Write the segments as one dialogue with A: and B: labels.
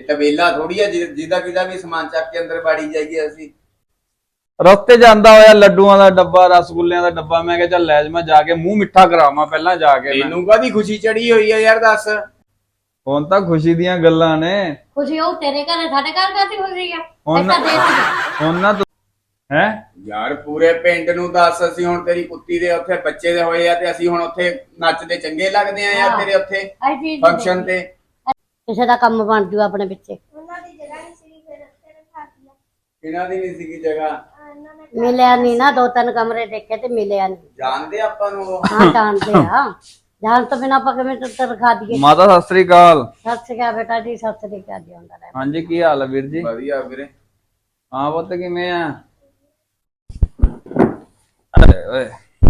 A: ਤਬੇਲਾ ਥੋੜੀ ਆ ਜਿਹਦਾ ਕਿਦਾ ਵੀ ਸਮਾਨ ਚੱਕ ਕੇ ਅੰਦਰ ਬਾੜੀ ਜਾਈਏ ਅਸੀਂ।
B: ਰਸਤੇ ਜਾਂਦਾ ਹੋਇਆ ਲੱਡੂਆਂ ਦਾ ਡੱਬਾ, ਰਸਗੁੱਲਿਆਂ ਦਾ ਡੱਬਾ, ਮੈਂ ਕਿਹਾ ਚੱਲ ਲੈ ਜਾ, ਮੈਂ ਜਾ ਕੇ ਮੂੰਹ ਮਿੱਠਾ ਕਰਾਵਾਂ ਪਹਿਲਾਂ ਜਾ ਕੇ।
A: ਤੈਨੂੰ ਕਾਹਦੀ ਖੁਸ਼ੀ ਚੜੀ ਹੋਈ ਆ ਯਾਰ ਦੱਸ।
B: ਹੁਣ ਤਾਂ ਖੁਸ਼ੀ ਦੀਆਂ ਗੱਲਾਂ ਨੇ।
C: ਖੁਸ਼ੀ ਉਹ ਤੇਰੇ ਘਰ ਸਾਡੇ ਘਰ ਕਾਹਦੀ ਖੁਸ਼ੀ ਆ?
B: ਹੁਣ ਨਾ ਹੈ
A: ਯਾਰ ਪੂਰੇ ਪਿੰਡ ਨੂੰ ਦੱਸ, ਅਸੀਂ ਹੁਣ ਤੇਰੀ ਕੁੱਤੀ ਦੇ ਉੱਥੇ ਬੱਚੇ ਦੇ ਹੋਏ ਆ ਤੇ ਅਸੀਂ ਹੁਣ ਉੱਥੇ ਨੱਚਦੇ ਚੰਗੇ ਲੱਗਦੇ ਆ ਯਾਰ ਤੇਰੇ ਉੱਥੇ ਫੰਕਸ਼ਨ ਤੇ।
C: ਕਿਸੇ ਦਾ ਕੰਮ ਬਣ ਜੂ ਆਪਣੇ ਪਿੱਛੇ।
D: ਉਹਨਾਂ ਦੀ ਜਗ੍ਹਾ ਨਹੀਂ ਸੀ ਫਿਰ ਉੱਥੇ ਰਖਾ ਦਿਆ।
A: ਕਿਹਨਾਂ ਦੀ ਨਹੀਂ ਸੀਗੀ ਜਗ੍ਹਾ?
D: ਇਹਨਾਂ ਨੇ
C: ਮਿਲਿਆ ਨਹੀਂ ਨਾ, 2-3 ਕਮਰੇ ਦੇਖੇ ਤੇ ਮਿਲਿਆ ਨਹੀਂ।
A: ਜਾਣਦੇ ਆਪਾਂ ਨੂੰ ਉਹ?
C: ਹਾਂ ਜਾਣਦੇ ਆ, ਜਾਣ ਤੋਂ ਬਿਨਾਂ ਆਪਾਂ ਕਿਵੇਂ ਤੇ ਰਖਾ ਦਈਏ।
B: ਮਾਤਾ ਸਤਿ ਸ੍ਰੀ ਅਕਾਲ।
C: ਸਤਿ ਸ਼੍ਰੀ ਅਕਾਲ ਬੇਟਾ ਜੀ, ਸਤਿ ਸ਼੍ਰੀ ਅਕਾਲ ਜੀ। ਹੁੰਦਾ ਰਹੇ।
B: ਹਾਂਜੀ ਕੀ ਹਾਲ ਹੈ ਵੀਰ ਜੀ?
A: ਵਧੀਆ ਵੀਰੇ।
B: ਹਾਂ ਪੁੱਤ ਕਿਵੇਂ ਆ? ਅਰੇ ਓਏ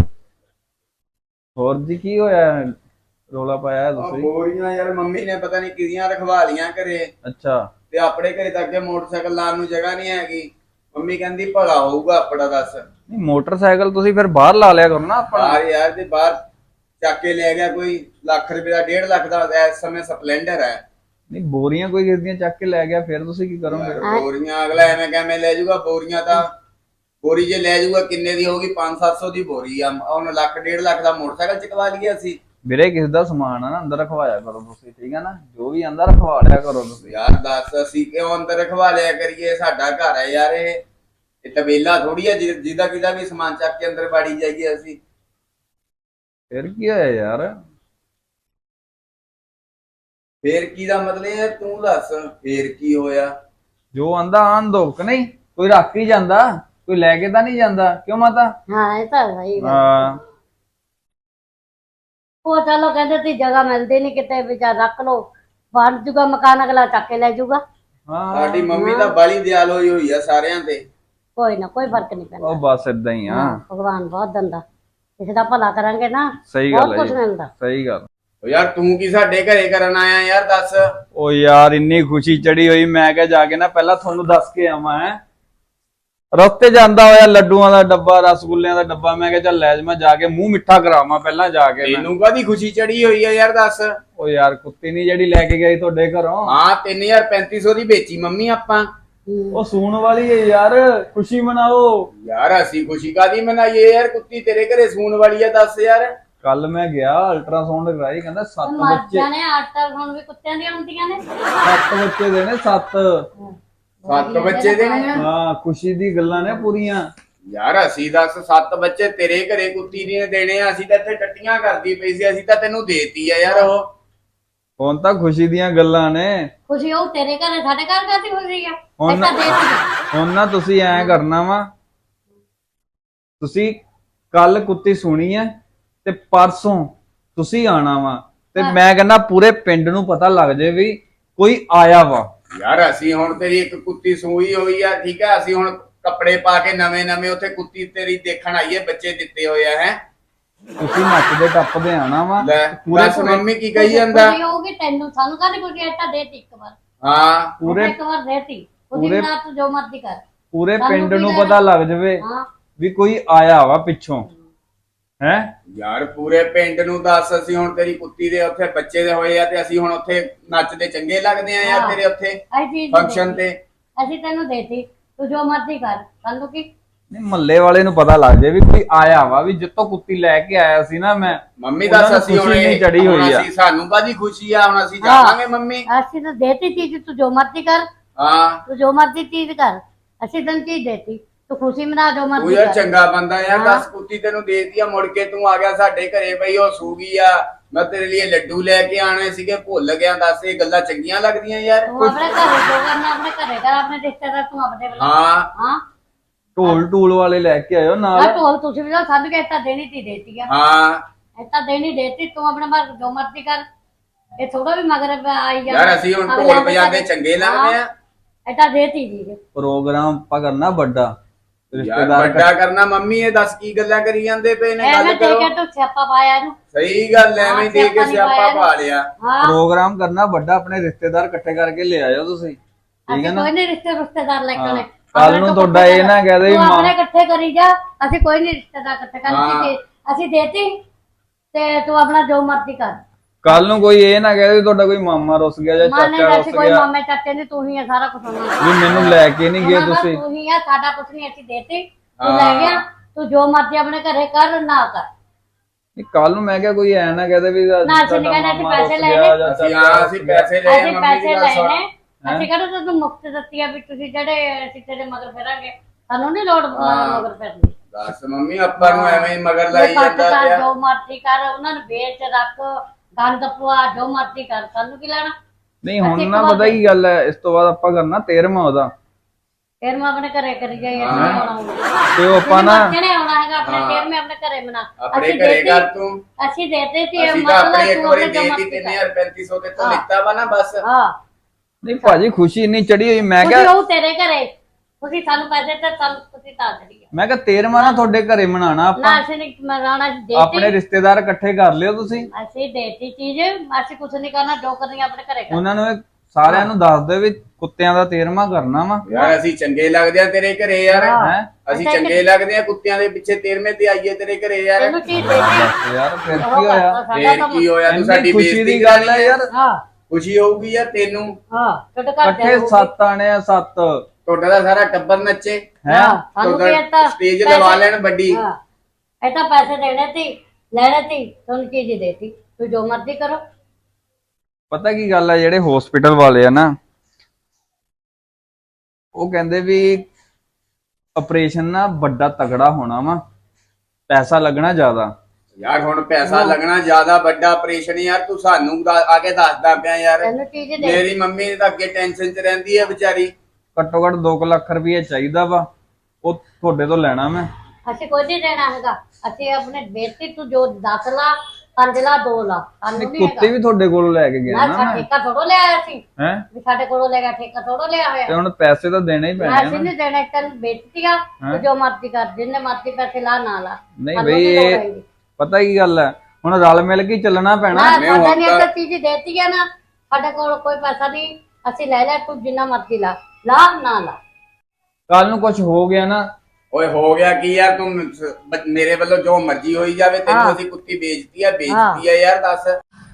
B: ਹੋਰ ਜੀ ਕੀ ਹੋਇਆ, ਰੋਲਾ ਪਾਇਆ
A: ਉਹ
B: ਤੁਸੀਂ?
A: ਬੋਰੀਆਂ ਯਾਰ ਮੰਮੀ ਨੇ ਪਤਾ ਨਹੀਂ ਕਿਹਦੀਆਂ ਰਖਵਾ ਲੀਆਂ ਘਰੇ,
B: ਅੱਛਾ
A: ਤੇ ਆਪਣੇ ਘਰੇ ਤਾਂ ਅੱਗੇ ਮੋਟਰਸਾਈਕਲ ਲਾਉਣ ਨੂੰ ਜਗ੍ਹਾ ਨਹੀਂ ਹੈਗੀ। ਮੰਮੀ ਕਹਿੰਦੀ ਭਲਾ ਹੋਊਗਾ ਆਪਣਾ ਦੱਸ।
B: ਨਹੀਂ ਮੋਟਰਸਾਈਕਲ ਤੁਸੀਂ ਫਿਰ ਬਾਹਰ ਲਾ ਲਿਆ ਕਰੋ ਨਾ ਆਪਣਾ।
A: ਬਾਹਰ ਯਾਰ ਤੇ ਬਾਹਰ ਚੱਕ ਕੇ ਲੈ ਗਿਆ ਕੋਈ ਲੱਖ ਰੁਪਏ ਦਾ, 1.5 ਲੱਖ ਦਾ ਇਸ ਸਮੇਂ ਸਪਲੈਂਡਰ ਹੈ।
B: ਨਹੀਂ ਬੋਰੀਆਂ ਕੋਈ ਕਿਸ ਦੀਆਂ ਚੱਕ ਕੇ ਲੈ ਗਿਆ, ਫਿਰ ਤੁਸੀਂ ਕੀ ਕਰੋਗੇ?
A: ਬੋਰੀਆਂ ਅਗਲਾ ਐਵੇਂ ਕਿਵੇਂ ਲੈ ਜਾਊਗਾ? ਬੋਰੀਆਂ ਤਾਂ ਬੋਰੀ ਜੇ ਲੈ ਜਾਊਗਾ ਕਿੰਨੇ ਦੀ ਹੋਊਗੀ? 500-700 ਦੀ ਬੋਰੀ ਆ। ਉਹਨੂੰ ਲੱਖ 1.5 ਲੱਖ ਦਾ ਮੋਟਰਸਾਈਕਲ ਚਕਵਾ ਲਈਏ ਅਸੀਂ।
B: ਵੀਰੇ ਕਿਸੇ ਦਾ ਸਮਾਨ ਆ ਨਾ ਅੰਦਰ ਰਖਵਾਇਆ ਕਰੋ ਤੁਸੀਂ, ਠੀਕ ਹੈ ਨਾ? ਜੋ ਵੀ ਅੰਦਰ ਰਖਵਾ ਲਿਆ ਕਰੋ ਤੁਸੀਂ।
A: ਯਾਰ ਦੱਸ ਅਸੀਂ ਕਿਉਂ ਅੰਦਰ ਰਖਵਾ ਲਿਆ ਕਰੀਏ? ਸਾਡਾ ਘਰ ਹੈ ਯਾਰ ਇਹ ਤਬੇਲਾ ਥੋੜੀ ਆ ਜਿਹਦਾ ਕਿਦਾ ਵੀ ਸਮਾਨ ਚੱਕ ਕੇ ਅੰਦਰ ਬਾੜੀ ਜਾਈਏ ਅਸੀਂ।
B: ਫਿਰ ਕੀ ਹੋਇਆ ਯਾਰ?
A: ਫੇਰ ਕੀ ਦਾ ਮਤਲਬ ਹੈ? ਤੂੰ ਦੱਸ ਫੇਰ ਕੀ ਹੋਇਆ?
B: ਜੋ ਆਂਦਾ ਆਨ ਦੋ ਕਿ ਨਹੀਂ, ਕੋਈ ਰੱਖ ਹੀ ਜਾਂਦਾ, ਕੋਈ ਲੈ ਕੇ ਤਾਂ ਨਹੀਂ ਜਾਂਦਾ, ਕਿਉਂ ਮਾਤਾ?
C: ਹਾਂ ਇਹ ਤਾਂ ਸਹੀ ਗੱਲ।
B: ਹਾਂ
C: ਉਹ ਚਲੋ ਕਹਿੰਦੇ ਤੀ ਜਗ੍ਹਾ ਮਿਲਦੀ ਨਹੀਂ ਕਿਤੇ, ਵਿਚਾਰ ਰੱਖ ਲੋ, ਬਣ ਜੂਗਾ ਮਕਾਨ, ਅਗਲਾ ਚੱਕ ਕੇ ਲੈ ਜੂਗਾ।
B: ਹਾਂ
A: ਸਾਡੀ ਮੰਮੀ ਤਾਂ ਬਾਲੀ ਦਿਆਲ ਹੋਈ ਆ ਸਾਰਿਆਂ ਤੇ।
C: ਕੋਈ ਨਾ, ਕੋਈ ਫਰਕ ਨਹੀਂ ਪੈਂਦਾ।
B: ਉਹ ਬਸ ਏਦਾਂ ਹੀ ਆ।
C: ਭਗਵਾਨ ਬਹੁਤ ਦਿੰਦਾ, ਕਿਸੇ ਦਾ ਭਲਾ ਕਰਾਂਗੇ ਨਾ
B: ਸਹੀ ਗੱਲ
C: ਬਹੁਤ
B: ਹੈ
C: ਕੁਝ
B: ਜੀ,
C: ਮਿਲਦਾ।
B: ਸਹੀ ਗੱਲ।
A: ਉਹ ਯਾਰ ਤੂੰ ਕੀ ਸਾਡੇ ਘਰੇ ਕਰਨ ਆਇਆ ਯਾਰ ਦੱਸ।
B: ਉਹ ਯਾਰ ਇੰਨੀ ਖੁਸ਼ੀ ਚੜੀ ਹੋਈ, ਮੈਂ ਕਿਹਾ ਜਾ ਕੇ ਨਾ ਪਹਿਲਾਂ ਤੁਹਾਨੂੰ ਦੱਸ ਕੇ ਆਵਾਂ। ਹੈ ਰਸਤੇ ਜਾਂਦਾ ਹੋਇਆ ਲੱਡੂਆਂ ਦਾ ਡੱਬਾ, ਰਸਗੁੱਲਿਆਂ ਦਾ ਡੱਬਾ, ਮੈਂ ਕਿਹਾ ਚੱਲ ਲੈ ਜਾ, ਮੈਂ ਜਾ ਕੇ ਮੂੰਹ ਮਿੱਠਾ ਕਰਾਵਾਂ ਪਹਿਲਾਂ ਜਾ ਕੇ।
A: ਤੈਨੂੰ ਕਾਹਦੀ ਖੁਸ਼ੀ ਚੜੀ ਹੋਈ ਆ ਯਾਰ ਦੱਸ।
B: ਉਹ ਯਾਰ ਕੁੱਤੀ ਨਹੀਂ ਜਿਹੜੀ ਲੈ ਕੇ ਗਈ ਤੁਹਾਡੇ ਘਰੋਂ?
A: ਹਾਂ 3350 ਦੀ ਵੇਚੀ ਮੰਮੀ ਆਪਾਂ।
B: ਉਹ ਸੂਣ ਵਾਲੀ ਹੈ ਯਾਰ, ਖੁਸ਼ੀ ਮਨਾਓ।
A: ਯਾਰ ਅਸੀਂ ਖੁਸ਼ੀ ਕਾਦੀ ਮਨਾਈਏ ਯਾਰ? ਕੁੱਤੀ ਤੇਰੇ ਘਰੇ ਸੂਣ ਵਾਲੀ ਆ ਦੱਸ ਯਾਰ।
B: ਕੱਲ ਮੈਂ ਗਿਆ ਅਲਟਰਾਸਾਊਂਡ ਕਰਾਈ, ਕਹਿੰਦਾ 7 ਬੱਚੇ।
C: ਜਾਣੇ ਆਟਾ ਹੁਣ ਵੀ ਕੁੱਤਿਆਂ ਦੀਆਂ ਹੁੰਦੀਆਂ ਨੇ।
B: 7 ਬੱਚੇ ਦੇ ਨੇ, 7।
A: 7 ਬੱਚੇ ਦੇ ਨੇ?
B: ਹਾਂ ਖੁਸ਼ੀ ਦੀ ਗੱਲਾਂ ਨੇ ਪੂਰੀਆਂ।
A: ਯਾਰ ਅਸੀਂ ਦੱਸ 7 ਬੱਚੇ ਤੇਰੇ ਘਰੇ ਕੁੱਤੀ ਨੇ ਦੇਣੇ ਆ? ਅਸੀਂ ਤਾਂ ਇੱਥੇ ਟੱਟੀਆਂ ਕਰਦੀ ਪਈ ਸੀ, ਅਸੀਂ ਤਾਂ ਤੈਨੂੰ ਦੇਤੀ ਆ ਯਾਰ ਉਹ।
B: ਹੁਣ ਤਾਂ ਖੁਸ਼ੀ ਦੀਆਂ ਗੱਲਾਂ ਨੇ।
C: ਖੁਸ਼ੀ ਉਹ ਤੇਰੇ ਘਰ ਸਾਡੇ ਘਰ ਕਾਹਦੀ ਖੁਸ਼ੀ ਆ?
B: ਹੁਣ ਹੁਣ ਨਾ ਤੁਸੀਂ ਐ ਕਰਨਾ ਵਾ, ਤੁਸੀਂ ਕੱਲ ਕੁੱਤੀ ਸੁਣੀ ਐ ਤੇ ਪਰਸੋਂ ਤੁਸੀਂ ਆਣਾ ਵਾ, ਤੇ ਮੈਂ ਕਹਿੰਦਾ ਪੂਰੇ ਪਿੰਡ ਨੂੰ ਪਤਾ ਲੱਗ ਜੇ ਵੀ ਕੋਈ ਆਇਆ ਵਾ।
A: ਯਾਰ ਅਸੀਂ ਹੁਣ ਤੇਰੀ ਇੱਕ ਕੁੱਤੀ ਸੂਈ ਹੋਈ ਆ, ਠੀਕ ਆ? ਅਸੀਂ ਹੁਣ ਕੱਪੜੇ ਪਾ ਕੇ ਨਵੇਂ ਉੱਥੇ ਕੁੱਤੀ ਤੇਰੀ ਦੇਖਣ ਆਈਏ, ਬੱਚੇ ਦਿੱਤੇ ਹੋਏ ਆ। ਹੈ
B: ਤੁਸੀਂ ਨੱਚਦੇ ਟੱਪਦੇ ਆਣਾ ਵਾ।
A: ਪੂਰੇ ਮੰਮੀ ਕੀ ਕਹੀ ਜਾਂਦਾ?
C: ਖੁਸ਼ੀ ਹੋਊਗੀ ਤੈਨੂੰ, ਸਾਨੂੰ ਕਾਹਦੀ ਖੁਸ਼ੀ? ਆਟਾ ਦੇਤੀ ਇੱਕ ਵਾਰ।
A: ਹਾਂ
B: ਪੂਰੇ
C: ਇੱਕ ਵਾਰ ਦੇਤੀ, ਉਹਦੀ ਨਾਲ ਤੂੰ ਜੋ ਮਰਜ਼ੀ ਕਰ।
B: ਪੂਰੇ ਪਿੰਡ ਨੂੰ ਪਤਾ ਲੱਗ ਜਵੇ
C: ਹਾਂ
B: ਵੀ ਕੋਈ ਆਇਆ ਵਾ ਪਿੱਛੋਂ। ਹੈ
A: ਯਾਰ ਪੂਰੇ ਪਿੰਡ ਨੂੰ ਦੱਸ, ਅਸੀਂ ਹੁਣ ਤੇਰੀ ਕੁੱਤੀ ਦੇ ਉੱਥੇ ਬੱਚੇ ਦੇ ਹੋਏ ਆ ਤੇ ਅਸੀਂ ਹੁਣ ਉੱਥੇ ਨੱਚਦੇ ਚੰਗੇ ਲੱਗਦੇ ਆ ਯਾਰ ਤੇਰੇ ਉੱਥੇ
C: ਇਹ ਚੀਜ਼
A: ਫੰਕਸ਼ਨ ਤੇ।
C: ਅਸੀਂ ਤੈਨੂੰ ਦੇਤੀ, ਤੂੰ ਜੋ ਮਰਜ਼ੀ ਕਰ, ਸਾਨੂੰ ਕੀ?
B: ਨਹੀਂ ਮੱਲੇ ਵਾਲੇ ਨੂੰ ਪਤਾ ਲੱਗ ਜੇ ਵੀ ਕੋਈ ਆਇਆ ਵਾ, ਵੀ ਜਿੱਤੋਂ ਕੁੱਤੀ ਲੈ ਕੇ ਆਇਆ ਸੀ ਨਾ ਮੈਂ।
A: ਮੰਮੀ ਦੱਸ ਅਸੀਂ ਹੁਣ
B: ਚੜੀ ਹੋਈ ਆ।
A: ਅਸੀਂ ਸਾਨੂੰ ਕਾਹਦੀ ਖੁਸ਼ੀ ਆ? ਹੁਣ ਅਸੀਂ ਜਾਵਾਂਗੇ ਮੰਮੀ।
C: ਅਸੀਂ ਤਾਂ ਦੇਤੀ ਚੀਜ਼, ਤੂੰ ਜੋ ਮਰਜ਼ੀ ਕਰ,
A: ਹਾਂ
C: ਤੂੰ ਜੋ ਮਰਜ਼ੀ ਚੀਜ਼ ਕਰ, ਅਸੀਂ ਤੈਨੂੰ ਚੀਜ਼ ਦੇਤੀ, ਤੂੰ ਖੁਸ਼ੀ ਮਨਾ ਜੋ
A: ਤੂੰ
C: ਮਰਜ਼ੀ
A: ਯਾਰ
C: ਕਰ।
A: ਚੰਗਾ ਬੰਦਾ ਯਾਰ। ਦੱਸ ਕੁੱਤੀ ਤੈਨੂੰ ਦੇਤੀ ਆ, ਮੁੜ ਕੇ ਤੂੰ ਆ ਗਿਆ ਸਾਡੇ ਘਰੇ, ਬਈ ਉਹ ਸੂ ਗਈ ਆ, ਮੈਂ ਤੇਰੇ ਲਈ ਲੱਡੂ ਲੈ ਕੇ ਆਣੇ ਸੀਗੇ, ਭੁੱਲ ਗਿਆ। ਦੱਸ ਇਹ ਗੱਲਾਂ ਚੰਗੀਆਂ ਲੱਗਦੀਆਂ ਯਾਰ?
C: ਤੂੰ ਆਪਣੇ ਘਰੇ ਜੋ ਕਰਨਾ ਆਪਣੇ ਘਰੇ ਕਰ, ਆਪਣੇ ਰਿਸ਼ਤੇਦਾਰ ਤੂੰ ਆਪਣੇ ਵੱਲੋਂ।
A: ਹਾਂ
C: ਹਾਂ
B: ਢੋਲ ਵਾਲੇ ਲੈ ਕੇ ਆਇਓ ਨਾਲ।
C: ਆ ਢੋਲ ਤੁਸੀਂ ਵੀ ਸਾਨੂੰ ਕਹਿਤਾ ਦੇਣੀ ਤੀ ਦੇਤੀ ਆ।
A: ਹਾਂ
C: ਐਤਾ ਦੇਣੀ ਦੇਤੀ, ਤੂੰ ਆਪਣੇ ਮਰ ਜੋ ਮਰਜ਼ੀ ਕਰ। ਇਹ ਥੋੜਾ ਵੀ ਮਗਰ ਆਈ ਜਾ
A: ਯਾਰ ਅਸੀਂ ਹੁਣ ਢੋਲ ਵਜਾਉਂਦੇ ਚੰਗੇ ਲੱਗਦੇ ਆ?
C: ਐਤਾ ਦੇਤੀ ਜੀ।
B: ਪ੍ਰੋਗਰਾਮ ਆਪਾਂ ਕਰਨਾ ਵੱਡਾ,
A: ਯਾਰ
B: ਰਿਸ਼ਤੇਦਾਰ
A: ਵੱਡਾ ਕਰਨਾ? ਮੰਮੀ ਇਹ ਦੱਸ ਕੀ ਗੱਲਾਂ ਕਰੀ ਜਾਂਦੇ ਪਏ ਨੇ? ਗੱਲ
C: ਐਵੇਂ ਦੇ
A: ਕਰੋ।
C: ਕੇ ਤੂੰ ਸਿਆਪਾ ਪਾਇਆ ਇਹਨੂੰ।
A: ਸਹੀ ਗੱਲ ਐ, ਐਵੇਂ ਦੇ ਕੇ ਸਿਆਪਾ ਪਾ ਲਿਆ।
C: ਹਾਂ
B: ਪ੍ਰੋਗਰਾਮ ਕਰਨਾ ਵੱਡਾ, ਆਪਣੇ ਰਿਸ਼ਤੇਦਾਰ ਇਕੱਠੇ ਕਰਕੇ ਲੈ ਆਇਓ ਤੁਸੀਂ, ਠੀਕ ਹੈ
C: ਅਸੀਂ
B: ਨਾ?
C: ਕੋਈ ਨਹੀਂ ਰਿਸ਼ਤੇਦਾਰ ਲੈ ਕੇ ਆਉਣੇ।
B: ਕੱਲ ਨੂੰ ਤੁਹਾਡਾ ਇਹ ਨਾ ਕਹਦੇ
C: ਤੂੰ ਆਪਣੇ ਇਕੱਠੇ ਕਰੀ ਜਾ, ਅਸੀਂ ਕੋਈ ਨਹੀਂ ਰਿਸ਼ਤੇਦਾਰ ਇਕੱਠੇ ਕਰਕੇ ਅਸੀਂ ਦੇਤੀ ਤੇ ਤੂੰ ਆਪਣਾ ਜੋ ਮਰਜ਼ੀ ਕਰ।
B: ਕੱਲ ਨੂੰ ਕੋਈ ਇਹ ਨਾ ਕਹੇ ਵੀ ਤੁਹਾਡਾ ਕੋਈ ਮਾਮਾ ਰੁੱਸ ਗਿਆ ਜਾਂ
C: ਮਾਨੇ
B: ਚਾਚਾ
C: ਦਾ
B: ਰੁੱਸ
C: ਕੋਈ
B: ਗਿਆ
C: ਮਾਮੇ ਚਾਚੇ ਨਹੀਂ, ਤੂੰ ਹੀ ਆ ਸਾਰਾ ਕੁਝ ਉਹਨਾਂ ਦਾ।
B: ਵੀ ਮੈਨੂੰ ਲੈ ਕੇ ਨਹੀਂ ਗਏ ਤੁਸੀਂ।
C: ਤੂੰ ਹੀ ਆ, ਸਾਡਾ ਕੁਝ ਨਹੀਂ ਅਸੀਂ ਦੇਤੇ, ਤੂੰ ਲੈ ਗਿਆ। ਤੂੰ ਜੋ ਮਰਜ਼ੀ ਆਪਣੇ ਘਰੇ ਕਰ ਨਾ ਕਰ।
B: ਕੱਲ ਨੂੰ ਮੈਂ ਕਿਹਾ ਕੋਈ ਐ ਨਾ ਕਹਦੇ ਵੀ
C: ਨਾ ਅਸੀਂ ਨਹੀਂ ਕਹਿੰਦੇ, ਅਸੀਂ ਪੈਸੇ ਲੈਣੇ,
A: ਅਸੀਂ ਪੈਸੇ ਲਏ
C: ਅਸੀਂ
A: ਮੰਮੀ
C: ਪੈਸੇ
A: ਦੀ ਗੱਲ ਸੁਣ।
C: ਲੈਣੇ। ਅਸੀਂ ਕਹਿੰਦੇ ਤੂੰ ਮੁਫਤ ਦਿੱਤੀ ਆ ਵੀ ਤੁਸੀਂ ਜਿਹੜੇ ਅਸੀਂ ਤੇਰੇ ਮਗਰ ਫਿਰਾਂਗੇ, ਸਾਨੂੰ ਨਹੀਂ ਲੋੜ ਮਗਰ ਫਿਰਨੀ।
A: ਦੱਸ ਮੰਮੀ ਆਪਾਂ ਨੂੰ ਐਵੇਂ ਹੀ ਮਗਰ ਲਾਈ ਜਾਂਦਾ ਪਿਆ।
C: ਜੋ ਮਰਜ਼ੀ ਕਰ, ਉਹਨਾਂ ਨੂੰ ਵੇਚ ਰੱਖ, ਗੰਦ ਪਵਾ, ਜੋ ਮਰਜ਼ੀ ਕਰ, ਸਾਨੂੰ ਕੀ ਲੈਣਾ।
B: ਨਹੀਂ ਹੁਣ ਨਾ ਪਤਾ ਕੀ ਗੱਲ ਹੈ, ਇਸ ਤੋਂ ਬਾਅਦ ਆਪਾਂ ਕਰਨਾ 13ਵਾਂ ਉਹਦਾ।
C: ਫਿਰ ਮੈਂ ਆਪਣੇ ਘਰੇ ਕਰੀ ਜਾਈ
B: ਤੇ ਉਹ ਆਪਾਂ ਨਾ
C: ਕਿਹਨੇ ਆਉਣਾ ਹੈਗਾ ਆਪਣੇ ਫੇਰ ਮੈਂ ਆਪਣੇ ਘਰੇ ਬਣਾ।
A: ਆਪਣੇ ਘਰੇ ਕਰ ਤੂੰ।
C: ਅਸੀਂ ਦੇਤੇ ਸੀ
A: ਅਸੀਂ ਤਾਂ ਆਪਣੇ ਇੱਕ ਵਾਰੀ ਦੇਤੀ 3350 ਤੇ ਤੋਂ ਲਿੱਤਾ ਵਾ ਨਾ ਬਸ।
C: ਹਾਂ
B: ਨਹੀਂ ਭਾਜੀ ਖੁਸ਼ੀ ਇੰਨੀ ਚੜੀ ਹੋਈ, ਮੈਂ
C: ਕਿਹਾ
B: ਕਿਹਾ
C: ਉਹ ਤੇਰੇ ਘਰੇ ਤੁਸੀਂ ਸਾਨੂੰ ਪੈਸੇ ਤੇ ਸਾਨੂੰ ਤੁਸੀਂ ਤਾਂ ਚੜੀ ਗਏ।
B: ਮੈਂ ਕਿਹਾ 13ਵਾਂ ਨਾ ਤੁਹਾਡੇ ਘਰੇ ਮਨਾਣਾ
C: ਨਾ
B: ਆਪਾਂ।
C: ਅਸੀਂ ਨਹੀਂ ਮਨਾਣਾ, ਦੇਤੀ
B: ਆਪਣੇ ਰਿਸ਼ਤੇਦਾਰ ਇਕੱਠੇ ਕਰ ਲਿਓ ਤੁਸੀਂ।
C: ਅਸੀਂ ਦੇਤੀ ਚੀਜ਼, ਅਸੀਂ ਕੁਝ ਨਹੀਂ ਕਰਨਾ, ਜੋ ਕਰਨੀ ਆਪਣੇ ਘਰੇ ਕਰ।
B: ਉਹਨਾਂ ਨੂੰ ਸਾਰਿਆਂ ਨੂੰ ਦੱਸ ਦਿਓ ਵੀ ਕੁੱਤਿਆਂ ਦਾ 13ਵਾਂ ਕਰਨਾ ਵਾ।
A: ਯਾਰ ਅਸੀਂ ਚੰਗੇ ਲੱਗਦੇ ਆ ਤੇਰੇ ਘਰੇ ਯਾਰ।
B: ਹੈ
A: ਅਸੀਂ ਚੰਗੇ ਲੱਗਦੇ ਆ ਕੁੱਤਿਆਂ ਦੇ ਪਿੱਛੇ 13ਵੇਂ ਤੇ ਆਈਏ ਤੇਰੇ ਘਰੇ ਯਾਰ।
C: ਤੈਨੂੰ ਚੀਜ਼ ਦੇਤੀ
B: ਯਾਰ ਫਿਰ ਕੀ ਹੋਇਆ?
A: ਫੇਰ ਕੀ ਹੋਇਆ, ਤੂੰ ਸਾਡੀ
B: ਖੁਸ਼ੀ
A: ਬੇਇੱਜ਼ਤੀ
B: ਦੀ ਗੱਲ ਹੈ ਯਾਰ।
C: ਹਾਂ
A: ਖੁਸ਼ੀ ਹੋਊਗੀ ਯਾਰ ਤੈਨੂੰ।
C: ਹਾਂ ਤੁਹਾਡੇ ਘਰ
B: ਇਕੱਠੇ 7 ਆਣੇ ਆ 7
A: ਤੁਹਾਡਾ ਦਾ ਸਾਰਾ ਟੱਬਰ ਨੱਚੇ।
B: ਹੈ।
C: ਸਾਨੂੰ ਕੀ ਤਾਂ
A: ਸਟੇਜ ਲਵਾ ਲੈਣ ਵੱਡੀ।
C: ਹਾਂ ਇਹ ਤਾਂ ਪੈਸੇ ਦੇਣੇ ਸੀ, ਲੈਣੇ ਸੀ, ਤੁਹਾਨੂੰ ਚੀਜ਼ ਦੇਤੀ, ਤੂੰ ਜੋ ਮਰਜ਼ੀ ਕਰੋ।
B: ਪਤਾ ਕੀ ਗੱਲ ਹੈ, ਜਿਹੜੇ ਹਸਪੀਟਲ ਵਾਲੇ ਆ ਨਾ ਉਹ ਕਹਿੰਦੇ ਵੀ ਆਪਰੇਸ਼ਨ ਨਾ ਵੱਡਾ ਤਗੜਾ ਹੋਣਾ ਵਾ, ਪੈਸਾ ਲੱਗਣਾ ਜ਼ਿਆਦਾ।
A: ਯਾਰ ਹੁਣ ਪੈਸਾ ਲੱਗਣਾ ਜ਼ਿਆਦਾ, ਵੱਡਾ ਆਪਰੇਸ਼ਨ ਯਾਰ। ਤੂੰ ਸਾਨੂੰ ਆ ਕੇ ਦੱਸਦਾ ਪਿਆ ਯਾਰ।
C: ਤੈਨੂੰ ਚੀਜ਼ ਦੇ
A: ਮੇਰੀ ਮੰਮੀ ਤਾਂ ਅੱਗੇ ਟੈਨਸ਼ਨ 'ਚ ਰਹਿੰਦੀ ਹੈ ਵਿਚਾਰੀ।
B: ਘੱਟੋ ਘੱਟ 2 ਲੱਖ ਰੁਪਏ ਚਾਹੀਦਾ ਵਾ, ਉਹ ਤੁਹਾਡੇ ਤੋਂ ਲੈਣਾ ਮੈਂ।
C: ਅਸੀਂ ਕੁਝ ਨਹੀਂ ਦੇਣਾ ਹੈਗਾ, ਅਸੀਂ ਆਪਣੇ ਬੇਟੀ ਤੂੰ ਜੋ 10 ਲਾ 5 ਲਾ 2 ਲਾ, ਸਾਨੂੰ ਨਹੀਂ
B: ਕੁੱਤੇ ਵੀ ਤੁਹਾਡੇ ਕੋਲੋਂ ਲੈ ਕੇ ਗਿਆ
C: ਨਾ
B: ਨਾ
C: ਸਾਡਾ
B: ਮੈਂ।
C: ਠੇਕਾ ਥੋੜੋ ਲਿਆ ਸੀ,
B: ਹੈ
C: ਵੀ ਸਾਡੇ ਕੋਲੋਂ ਲੈ ਗਿਆ ਠੇਕਾ ਥੋੜੋ ਲਿਆ ਹੋਇਆ।
B: ਤੇ ਹੁਣ ਪੈਸੇ ਤਾਂ ਦੇਣੇ ਹੀ ਪੈਣੇ ਆ
C: ਅਸੀਂ
B: ਨਾ।
C: ਨਹੀਂ ਦੇਣਾ, ਤੈਨੂੰ ਬੇਟੀ ਆ, ਤੂੰ ਜੋ ਮਰਜ਼ੀ ਕਰ, ਜਿੰਨੇ ਮਰਜ਼ੀ ਪੈਸੇ ਲਾ ਨਾ ਲਾ।
B: ਨਹੀਂ
C: ਸਾਨੂੰ
B: ਬਈ
C: ਕੀ ਲੋੜ
B: ਇਹ
C: ਹੈਗੀ।
B: ਪਤਾ ਕੀ ਗੱਲ ਹੈ, ਹੁਣ ਰਲ ਮਿਲ ਕੇ ਹੀ ਚੱਲਣਾ ਪੈਣਾ।
C: ਨਾ
A: ਮੈਂ
C: ਸਾਡਾ
A: ਹੁਣ
C: ਨਹੀਂ
A: ਤਾਂ-
C: ਤਾਂ ਚੀਜ਼ ਦੇਤੀ ਆ ਨਾ, ਸਾਡੇ ਕੋਲ ਕੋਈ ਪੈਸਾ ਨਹੀਂ, ਅਸੀਂ ਲੈ ਲੈ, ਤੂੰ ਜਿੰਨਾ ਮਰਜ਼ੀ ਲਾ ਲਾ ਨਾ ਲਾ।
B: ਕੱਲ ਨੂੰ ਕੁਝ ਹੋ ਗਿਆ ਨਾ,
A: ਓਏ ਹੋ ਗਿਆ ਕੀ ਯਾਰ, ਤੂੰ ਮੇਰੇ ਵੱਲੋਂ ਜੋ ਮਰਜ਼ੀ ਹੋਈ ਜਾਵੇ, ਤੈਨੂੰ ਅਸੀਂ ਕੁੱਤੀ ਵੇਚਤੀ ਆ ਯਾਰ। ਦੱਸ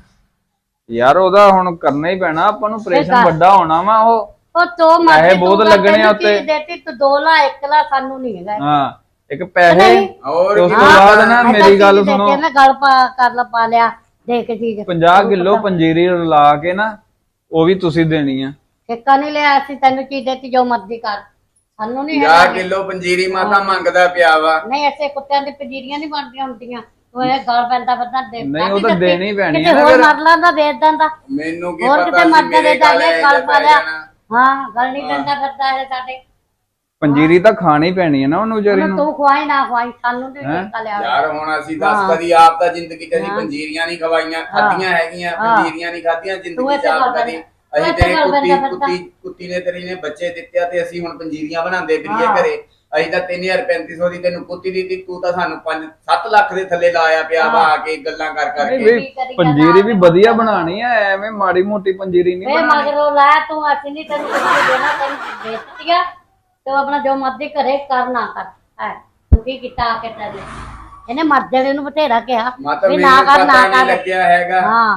B: ਯਾਰ ਉਹਦਾ ਹੁਣ ਕਰਨਾ ਹੀ ਪੈਣਾ ਆਪਾਂ ਨੂੰ, ਆਪਰੇਸ਼ਨ ਵੱਡਾ ਹੋਣਾ ਵਾ।
C: ਉਹ ਤੋਂ ਮਰਜ਼ੀ
B: ਪੈਸੇ ਬਹੁਤ
C: ਤੂੰ
B: ਲੱਗਣੇ
C: ਤੈਨੂੰ
B: ਆ ਉੱਤੇ।
C: ਚੀਜ਼ ਦੇਤੀ, ਤੂੰ 2 ਲਾ 1 ਲਾ, ਸਾਨੂੰ ਨਹੀਂ ਹੈਗਾ।
B: ਹਾਂ ਇੱਕ ਪੈਸੇ
C: ਨਹੀਂ।
A: ਹੋਰ
B: ਉਸ
A: ਕੀ
B: ਤੋਂ ਬਾਅਦ ਨਾ ਮੇਰੀ ਗੱਲ ਸੁਣੋ,
C: ਮੈਂ ਗੱਲ ਕਰ ਲਾ ਪਾ ਲਿਆ ਦੇ ਕੇ ਚੀਜ਼
B: 50 ਕਿਲੋ ਪੰਜੀਰੀ ਰਲਾ ਕੇ ਨਾ ਉਹ ਵੀ ਤੁਸੀਂ ਦੇਣੀ ਆ।
C: ਠੇਕਾ ਨਹੀਂ ਲਿਆ, ਅਸੀਂ ਤੈਨੂੰ ਚੀਜ਼ ਦੇਤੀ, ਜੋ ਮਰਜ਼ੀ ਕਰ, ਸਾਨੂੰ ਨਹੀਂ
A: 50
C: ਹੈਗਾ।
A: ਕਿਲੋ ਪੰਜੀਰੀ ਮਾਤਾ ਮੰਗਦਾ ਪਿਆ ਵਾ।
C: ਨਹੀਂ ਐਸੇ ਕੁੱਤਿਆਂ ਦੀ ਪੰਜੀਰੀਆਂ ਨਹੀਂ ਬਣਦੀਆਂ ਹੁੰਦੀਆਂ, ਉਹ ਇਹ ਗਲ ਪੈਂਦਾ ਫਿਰਦਾ ਦੇ।
B: ਨਹੀਂ ਉਹ ਤਾਂ ਦੇਣੀ ਹੀ ਪੈਣੀ
C: ਕਿਤੇ
B: ਆ ਨਾ
C: ਹੋਰ
B: ਫਿਰ।
C: ਮਰ ਲਾਂਦਾ ਦੇ ਦਿੰਦਾ,
A: ਮੈਨੂੰ ਕੀ
C: ਹੋਰ
A: ਪਤਾ
C: ਕਿਤੇ
A: ਸੀ
C: ਮਰ
A: ਮੇਰੇ
C: ਜਾਂਦਾ
A: ਗਲ
C: ਗਲ ਪਾ ਲਿਆ। ਹਾਂ ਗਲ ਨਹੀਂ ਦਿੰਦਾ ਫਿਰਦਾ ਇਹ ਸਾਡੇ।
B: ਪੰਜੀਰੀ ਤਾਂ ਖਾਣੀ ਪੈਣੀ ਹੈ ਨਾ ਉਹਨੂੰ ਵਿਚਾਰੀ
C: ਉਹਨੂੰ
B: ਨੂੰ।
C: ਤੂੰ ਖਵਾਈ ਨਾ ਖਵਾਈ, ਸਾਨੂੰ ਨਹੀਂ ਠੇਕਾ ਲਿਆ।
A: ਯਾਰ ਹੁਣ ਅਸੀਂ ਦੱਸ ਕਦੀ ਆਪ ਤਾਂ ਜ਼ਿੰਦਗੀ 'ਚ ਅਸੀਂ ਪੰਜੀਰੀਆਂ ਨਹੀਂ ਖਵਾਈਆਂ, ਖਾਧੀਆਂ ਹੈਗੀਆਂ, ਪੰਜੀਰੀਆਂ ਨਹੀਂ ਖਾਧੀਆਂ ਜ਼ਿੰਦਗੀ 'ਚ ਆਪ ਕਦੀ। ਅਸੀਂ ਤੇਰੇ ਕੁੱਤੀ ਨੇ ਤੇਰੀ ਨੇ ਬੱਚੇ ਦਿੱਤੇ ਆ ਤੇ ਅਸੀਂ ਹੁਣ ਪੰਜੀਰੀਆਂ ਬਣਾਉਂਦੇ ਫਿਰੀਏ ਘਰੇ। ਅਸੀਂ ਤਾਂ 3350 ਦੀ ਤੈਨੂੰ ਕੁੱਤੀ ਦਿੱਤੀ, ਤੂੰ ਤਾਂ ਸਾਨੂੰ 5-7 ਲੱਖ ਦੇ ਥੱਲੇ ਲਾਇਆ ਪਿਆ ਵਾ ਆ ਕੇ ਗੱਲਾਂ ਕਰ
B: ਨਹੀਂ
A: ਕਰਕੇ।
B: ਵੀ ਪੰਜੀਰੀ ਵੀ ਵਧੀਆ ਬਣਾਣੀ ਆ, ਐਵੇਂ ਮਾੜੀ ਮੋਟੀ ਪੰਜੀਰੀ ਨਹੀਂ
C: ਵੇ
B: ਬਣਾਣੀ।
C: ਮਗਰੋਂ ਲੈ ਤੂੰ, ਅਸੀਂ ਨਹੀਂ ਤੈਨੂੰ ਕੁਝ ਦੇਣਾ, ਤੈਨੂੰ ਵੇਚਤੀਆ ਤੂੰ ਆਪਣਾ ਜੋ ਮਰਜ਼ੀ ਘਰੇ ਕਰ ਨਾ ਕਰ। ਹੈ ਤੂੰ ਕੀ ਕੀਤਾ ਆ ਕੇ ਤੈਨੂੰ, ਇਹਨੇ ਮਰ ਜਾਣੇ ਨੂੰ ਬਥੇਰਾ ਕਿਹਾ
A: ਮਾਤਾ
C: ਵੀ
A: ਮੈਨੂੰ
C: ਨਾ ਕਰ
A: ਪਤਾ
C: ਨਾ
A: ਨਹੀਂ
C: ਕਰ।
A: ਲੱਗਿਆ ਹੈਗਾ।
C: ਹਾਂ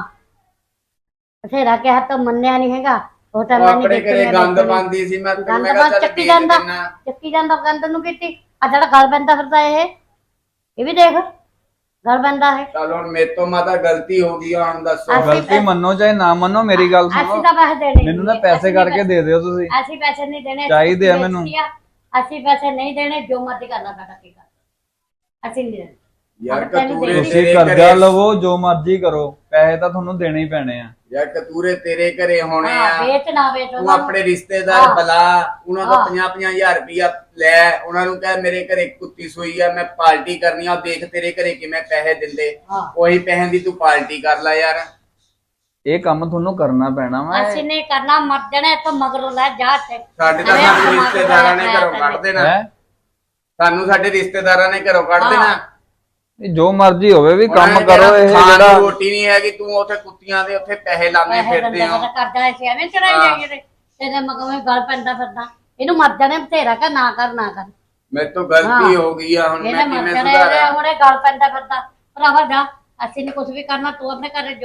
C: ਬਥੇਰਾ ਕਿਹਾ ਤਾਂ ਮੰਨਿਆ ਨਹੀਂ ਹੈਗਾ। ਉਹ ਤਾਂ
A: ਉਹ
C: ਮੈਂ
A: ਆਪਣੇ ਘਰੇ ਗੰਦ ਪਾਉਂਦੀ ਸੀ, ਮੈਂ ਤੈਨੂੰ ਮੈਂ ਕਿਹਾ ਚੱਲ
C: ਚੱਕੀ
A: ਵੇਚ
C: ਜਾਂਦਾ,
A: ਦਿੰਨਾ।
C: ਚੱਕੀ ਜਾਂਦਾ ਗੰਦ ਨੂੰ ਕੀਤੀ। ਆ ਜਿਹੜਾ ਗਲ ਪੈਂਦਾ ਫਿਰਦਾ ਇਹ ਵੀ ਦੇਖ ਗਲ ਪੈਂਦਾ ਹੈ।
A: ਚੱਲ ਹੁਣ ਮੇਰੇ ਤੋਂ ਮਾਤਾ ਗਲਤੀ ਹੋ ਗਈ, ਹੁਣ ਦੱਸੋ।
B: ਗਲਤੀ ਮੰਨੋ ਚਾਹੇ ਨਾ ਮੰਨੋ, ਮੇਰੀ ਗੱਲ
C: ਅਸੀਂ
B: ਸੁਣੋ।
C: ਤਾਂ ਪੈਸੇ ਦੇਣੇ
B: ਮੈਨੂੰ ਨਾ ਪੈਸੇ ਕਰਕੇ ਦੇ ਦਿਓ ਤੁਸੀਂ।
C: ਅਸੀਂ ਪੈਸੇ ਨਹੀਂ ਦੇਣੇ,
B: ਚਾਹੀਦੇ ਆ ਮੈਨੂੰ।
C: ਅਸੀਂ ਪੈਸੇ ਨਹੀਂ ਦੇਣੇ, ਜੋ ਮਰਜ਼ੀ ਕਰਨਾ ਸਾਡਾ ਕੀ ਕਰ, ਅਸੀਂ ਨਹੀਂ ਦੇਣੇ।
A: ਯਾਰ
C: ਤੈਨੂੰ
A: ਕਤੂਰੇ
B: ਤੁਸੀਂ
A: ਤੇਰੇ
B: ਕਰਜ਼ਾ
A: ਘਰੇ,
B: ਲਵੋ ਜੋ ਮਰਜ਼ੀ ਕਰੋ, ਪੈਸੇ ਤਾਂ ਤੁਹਾਨੂੰ ਦੇਣੇ ਹੀ ਪੈਣੇ ਆ।
A: ਯਾਰ ਕਤੂਰੇ ਤੇਰੇ ਘਰੇ ਹੋਣੇ
C: ਹਾਂ
A: ਆ।
C: ਵੇਚ ਨਾ ਵੇਚ
A: ਤੂੰ
C: ਉਹਨਾਂ ਨੂੰ।
A: ਆਪਣੇ ਰਿਸ਼ਤੇਦਾਰ ਬੁਲਾ, ਉਹਨਾਂ ਤੋਂ 50-50 ਰੁਪਇਆ ਲੈ, ਉਹਨਾਂ ਨੂੰ ਕਹਿ ਮੇਰੇ ਘਰੇ ਕੁੱਤੀ ਸੋਈ ਆ, ਮੈਂ ਪਾਰਟੀ ਕਰਨੀ ਆ, ਦੇਖ ਤੇਰੇ ਘਰੇ ਕਿਵੇਂ ਪੈਸੇ ਦਿੰਦੇ, ਉਹੀ ਪੈਸੇ ਦੀ ਤੂੰ ਪਾਰਟੀ ਕਰ ਲੈ ਯਾਰ।
B: ਇਹ ਕੰਮ ਤੁਹਾਨੂੰ ਕਰਨਾ ਪੈਣਾ ਵਾ।
C: ਅਸੀਂ ਨਹੀਂ ਕਰਨਾ, ਮਰ ਜਾਣਾ ਇੱਥੋਂ ਮਗਰੋਂ ਲੈ ਜਾ ਇੱਥੇ।
A: ਸਾਡੇ ਤਾਂ ਸਾਨੂੰ ਰਿਸ਼ਤੇਦਾਰਾਂ ਨੇ ਘਰੋਂ ਕੱਢ ਦੇਣਾ,
B: ਹੈ
A: ਸਾਨੂੰ ਸਾਡੇ ਰਿਸ਼ਤੇਦਾਰਾਂ ਨੇ ਘਰੋਂ ਕੱਢ ਦੇਣਾ।
B: ਜੋ ਮਰਜ਼ੀ ਹੋਵੇ ਵੀ ਕੰਮ
A: ਉਹਨਾਂ ਨੇ
B: ਕਰੋ।
A: ਕਹਿਣਾ,
B: ਇਹ
A: ਖਾਣ ਨੂੰ
B: ਜਿਹੜਾ
A: ਰੋਟੀ ਨਹੀਂ ਹੈਗੀ, ਤੂੰ ਉੱਥੇ ਕੁੱਤੀਆਂ ਦੇ ਉੱਥੇ ਪੈਸੇ ਲਾਉਂਦੇ ਫਿਰਦੇ ਹੋ।
C: ਕਰਦਾ ਐ ਐਵੇਂ ਚੜਾਈ ਜਾਈਏ ਤੇਰੇ ਮਗਵੇਂ ਗਲ ਪੈਂਦਾ ਫਿਰਦਾ। ਇਹਨੂੰ ਮਰ ਜਾਣੇ ਬਥੇਰਾ ਕਰ ਨਾ ਕਰ ਨਾ ਕਰ।
A: ਮੇਰੇ ਤੋਂ ਗਲਤੀ ਹੋ ਗਈ ਆ, ਹੁਣ
C: ਇਹਨੇ
A: ਮੈਂ
C: ਮਰ
A: ਕਿਵੇਂ
C: ਜਾਣੇ,
A: ਸੁਧਾਰਾਂ?
C: ਹੁਣੇ ਗਲ ਪੈਂਦਾ ਫਿਰਦਾ। ਭਰਾਵਾ ਜਾ, ਅਸੀਂ ਨਹੀਂ ਕੁਝ ਵੀ ਕਰਨਾ, ਤੂੰ ਆਪਣੇ ਘਰੇ ਜੋ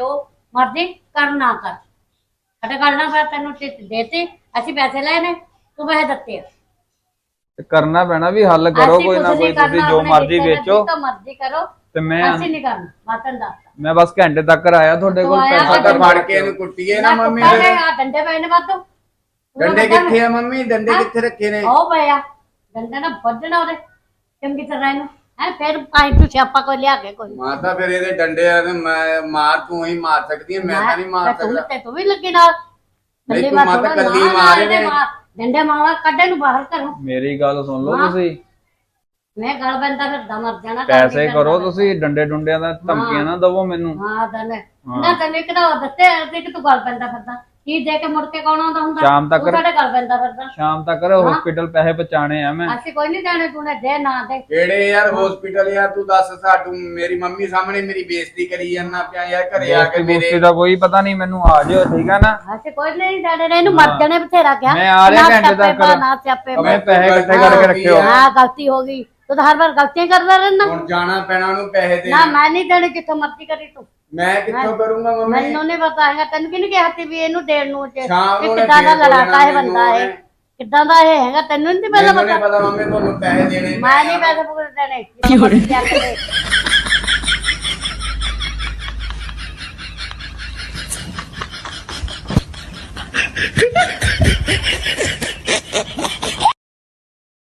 C: ਮਰਜ਼ੀ ਕਰ ਨਾ ਕਰ। ਸਾਡੇ ਗੱਲ ਨਾ ਫਿਰ ਤੈਨੂੰ ਦੇਤੀ, ਅਸੀਂ ਪੈਸੇ ਲਏ ਨੇ, ਤੂੰ ਪੈਸੇ ਦਿੱਤੇ ਆ।
B: ਤੇ ਕਰਨਾ ਪੈਣਾ ਵੀ ਹੱਲ ਕਰੋ ਕੋਈ ਨਾ ਕੋਈ, ਤੁਸੀਂ ਜੋ ਮਰਜ਼ੀ ਵੇਚੋ
C: ਜੋ ਮਰਜ਼ੀ ਕਰੋ,
B: ਤੇ ਮੈਂ
C: ਅਸੀਂ ਨਹੀਂ ਕਰਨਾ। ਮਾਤਨ ਦਾ
B: ਮੈਂ ਬਸ ਘੰਟੇ ਤੱਕ ਆਇਆ ਤੁਹਾਡੇ ਕੋਲ,
C: ਤੂੰ ਆਇਆ
B: ਪੈਸਾ
A: ਤਾਂ
B: ਕਰ
A: ਫੜ ਕੇ ਇਹਨੂੰ ਕੁੱਟੀਏ ਨਾ ਮੰਮੀ
C: ਕੁੱਤਾ ਨੇ ਆ ਡੰਡੇ ਪਏ ਨੇ ਵਾਧੂ।
A: ਡੰਡੇ ਕਿੱਥੇ ਆ ਮੰਮੀ, ਡੰਡੇ ਕਿੱਥੇ ਰੱਖੇ ਨੇ?
C: ਉਹ ਪਿਆ ਡੰਡੇ ਨਾਲ ਵੱਢਣਾ ਉਹਦੇ ਚੰਗੀ ਤਰ੍ਹਾਂ ਇਹਨੂੰ ਹੈ, ਫਿਰ ਪਾਈ ਤੂੰ ਸਿਆਪਾ ਕੋਈ ਲਿਆ ਕੇ ਕੋਈ
A: ਮਾਤਾ ਫਿਰ ਇਹਦੇ ਡੰਡੇ ਆ ਤੇ ਮੈਂ ਮਾਰ, ਤੂੰ ਹੀ ਮਾਰ ਸਕਦੀ ਹੈ, ਮੈਂ ਤਾਂ ਨਹੀਂ ਮਾਰ ਸਕਦਾ।
C: ਤੇ ਤੂੰ ਵੀ ਲੱਗੀ ਨਾਲ
A: ਨਹੀਂ ਤੂੰ ਮਾਤਾ ਕੱਲੀ ਮਾਰ ਇਹਨੇ।
C: ਡੰਡੇ ਮਾਵਾ ਕੱਢੇ ਨੂੰ ਬਾਹਰ ਕਰੋ।
B: ਮੇਰੀ ਗੱਲ ਸੁਣ ਲਓ ਤੁਸੀਂ,
C: ਮੈਂ ਗਲ ਬੰਦਾ ਫਿਰਦਾ ਮਰ ਜਾਣਾ।
B: ਪੈਸੇ ਕਰੋ ਤੁਸੀਂ, ਡੰਡੇ ਡੁੰਡਿਆਂ ਦਾ ਧਮਕੀਆਂ ਨਾ ਦਵੋ ਮੈਨੂੰ।
C: ਹਾਂ ਦਨੇ ਨਾ ਤੈਨੂੰ ਇੱਕ ਤਾਂ ਦੱਸੇ ਤੇ ਕਿ ਤੂੰ ਗਲ ਬੰਦਾ ਫਿਰਦਾ, ਕੀ ਦੇ ਕੇ ਮੁੜ ਕੇ ਕੌਣ ਆਉਂਦਾ ਹੁੰਦਾ?
B: ਸ਼ਾਮ ਤੱਕ
C: ਤੂੰ ਸਾਡੇ ਗਲ ਬੰਦਾ ਫਿਰਦਾ।
B: ਸ਼ਾਮ ਤੱਕ ਹਸਪੀਟਲ ਪੈਸੇ ਪਹੁੰਚਾਣੇ ਆ ਮੈਂ।
C: ਅਸੀਂ ਕੋਈ ਨਹੀਂ ਜਾਣੇ, ਤੂੰ ਨੇ ਦੇ ਨਾ ਦੇ।
A: ਕਿਹੜੇ ਯਾਰ ਹਸਪੀਟਲ ਯਾਰ, ਤੂੰ ਦੱਸ। ਸਾਡੂ ਮੇਰੀ ਮੰਮੀ ਸਾਹਮਣੇ ਮੇਰੀ ਬੇਇੱਜ਼ਤੀ ਕਰੀ ਜਾਂਦਾ ਪਿਆ ਯਾਰ, ਘਰੇ ਆ ਕੇ ਮੇਰੇ
B: ਦਾ ਕੋਈ ਪਤਾ ਨਹੀਂ ਮੈਨੂੰ, ਆ ਜਾਓ ਠੀਕ ਆ ਨਾ।
C: ਅਸੀਂ ਕੋਈ ਨਹੀਂ ਜਾਣੇ ਨੇ, ਇਹਨੂੰ ਮਰ ਜਾਣੇ ਬਥੇਰਾ ਕਿਹਾ।
B: ਮੈਂ ਆ ਰਿਹਾ ਘੰਟੇ ਤੱਕ।
C: ਨਾ ਸਿਆਪੇ
B: ਮੈਂ ਪੈਸੇ ਇਕੱਠੇ ਕਰਕੇ ਰੱਖਿਓ।
C: ਹਾਂ ਗਲਤੀ ਹੋ ਗਈ, ਤੂੰ ਤਾਂ ਹਰ ਵਾਰ ਗਲਤੀਆਂ ਕਰਦਾ ਰਹਿਣਾ।
A: ਹੁਣ ਜਾਣਾ ਪੈਣਾ ਉਹਨੂੰ ਪੈਸੇ ਦੇ।
C: ਨਾ ਮੈਂ ਨਹੀਂ ਦੇਣੇ, ਜਿੱਥੋਂ ਮਰਜ਼ੀ ਕਰੀ ਤੂੰ।
A: ਮੈਂ ਕਿੱਥੋਂ ਕਰੂੰਗਾ ਮੰਮੀ?
C: ਮੈਨੂੰ ਨਹੀਂ ਪਤਾ ਹੈਗਾ, ਤੈਨੂੰ ਕਿਹਨੇ ਕਿਹਾ ਸੀ ਵੀ ਇਹਨੂੰ ਦੇਣ ਨੂੰ?
A: ਸ਼ਾਮ ਨੂੰ
C: ਕਿੱਦਾਂ ਦਾ ਲੜਾਕਾ ਹੈ ਬੰਦਾ ਇਹ, ਕਿੱਦਾਂ ਦਾ ਇਹ ਹੈਗਾ, ਤੈਨੂੰ ਨਹੀਂ ਪਤਾ?
A: ਮੈਨੂੰ ਨਹੀਂ ਪਤਾ ਮੰਮੀ, ਤੁਹਾਨੂੰ ਪੈਸੇ ਦੇਣੇ
C: ਮੈਂ ਨਹੀਂ ਪੈਸੇ ਪੁੱਛ ਦੇਣੇ।